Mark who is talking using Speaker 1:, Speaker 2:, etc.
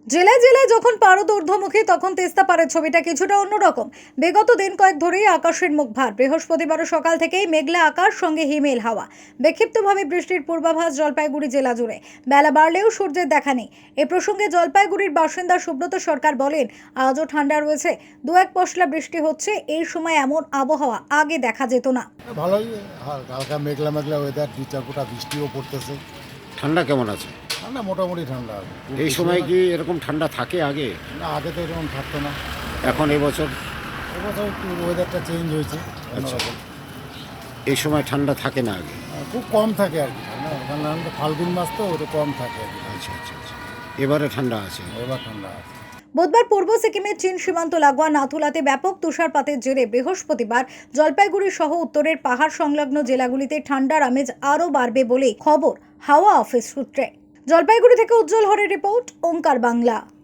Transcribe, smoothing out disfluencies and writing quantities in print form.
Speaker 1: জেলায় জেলায় যখন পারদ ঊর্ধ্বমুখী তখন তেস্তাপাড়ের ছবিটা কিছুটা অন্যরকম। বিগত দিন কয়েক ধরেই আকাশের মুখ ভার। বৃহস্পতিবারও সকাল থেকেই মেঘলা আকাশ, সঙ্গে হিমেল হাওয়া। বিক্ষিপ্তভাবে বৃষ্টির পূর্বাভাস জলপাইগুড়ি জেলা জুড়ে। বেলা বাড়লেও সূর্যের দেখা নেই। এ প্রসঙ্গে জলপাইগুড়ির বাসিন্দা সুব্রত সরকার বলেন, আজও ঠান্ডা রয়েছে, দু এক পশলা বৃষ্টি হচ্ছে। এই সময় এমন আবহাওয়া আগে দেখা যেত না।
Speaker 2: ভালোই, হালকা মেঘলা মেঘলা ওয়েদার, দু চার ফোঁটা বৃষ্টিও পড়তেছে।
Speaker 3: ঠান্ডা কেমন আছে?
Speaker 2: ঠান্ডা মোটামুটি ঠান্ডা। খুব
Speaker 3: এই
Speaker 2: বেশি
Speaker 3: সময়
Speaker 2: না।
Speaker 3: কি এরকম ঠান্ডা থাকে আগে?
Speaker 2: না, আগে তো এরকম থাকতো না।
Speaker 3: এখন এবছর
Speaker 2: এবছর একটু ওয়েদারটা চেঞ্জ হয়েছে।
Speaker 3: আচ্ছা।
Speaker 2: অন্যরকম।
Speaker 3: এই সময় ঠান্ডা থাকে না আগে?
Speaker 2: খুব কম থাকে আর কি। কারণ ফাল্গুন মাস তো ওটা কম থাকে আর কি।
Speaker 3: আচ্ছা আচ্ছা আচ্ছা, এবারে ঠান্ডা আছে।
Speaker 2: এবার ঠান্ডা আছে।
Speaker 1: বুধবার পূর্ব সিকিমের চীন সীমান্ত লাগোয়া নাথুলাতে ব্যাপক তুষারপাতের জেরে বৃহস্পতিবার জলপাইগুড়ি সহ উত্তরের পাহাড় সংলগ্ন জেলাগুলিতে ঠান্ডার আমেজ আরও বাড়বে বলে খবর হাওয়া অফিস সূত্রে। জলপাইগুড়ি থেকে উজ্জ্বল হরের রিপোর্ট, ওঙ্কার বাংলা।